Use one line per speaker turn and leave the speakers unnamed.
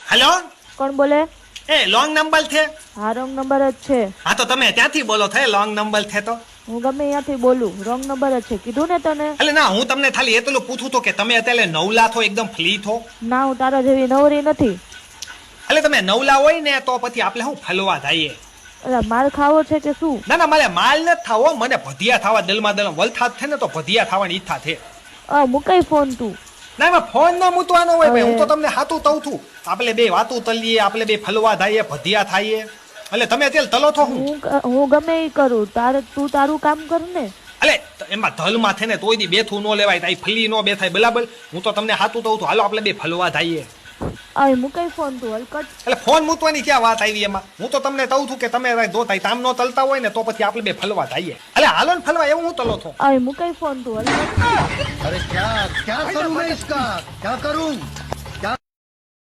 Hello,
કોણ બોલે?
એ long number છે?
હા, રોંગ નંબર જ છે.
હા તો તમે ત્યાંથી બોલો થાય લોંગ નંબર છે તો.
હું ગમે ત્યાંથી બોલું, રોંગ નંબર જ છે. કીધું ને તને.
એટલે ના, હું તમને ખાલી એટલું પૂછું તો કે તમે અત્યારે નવલા થો, એકદમ ફ્રી થો.
ના, હું તારા જેવી નવરી નથી.
એટલે તમે નવલા હોય ને તો પછી આપણે શું ફલવા જઈએ.
અલા, માર ખાવો છે કે શું?
ના ના, મારે માલ નથી થાવો, મને ભધિયા થવા દલમાં દલમ વલથાદ છે ને તો ભધિયા થવાની ઈચ્છા છે.
મુકાઈ ફોન તું.
ના, એમાં ફોન ન મૂકવાનો હોય ભાઈ, હું તો
હવે-
તમને હાતું તવું છું. આપણે બે વાતું તલીએ, આપણે બે ફલવા થઈએ, ભધિયા થાઈએ. એટલે તમે અત્યારે તલો છો હું.
હું ગમે એ કરું, તું તારું કામ કર ને.
એટલે એમાં ધલમાં છે ને તોય દી બેઠું ન લેવાય, તાઈ ફલી ન બેઠાય, બરાબર. હું તો તમને હાતું તવું છું, હાલો આપણે બે ફલવા થઈએ.
મુકાઈ ફોન તું હલકટ.
એટલે ફોન મૂકવાની ક્યાં વાત આવી એમાં? હું તો તમને કહું છું કે તમે દો તાઈ તામ નો તલતા હોય ને તો પછી આપણે બે ફલવા થઈએ. એટલે હાલો ને ફલવા, એવું હું તલો છો.
મુકાઈ ફોન તું હલકટ.
अरे क्या क्या करूं मैं इसका क्या करूं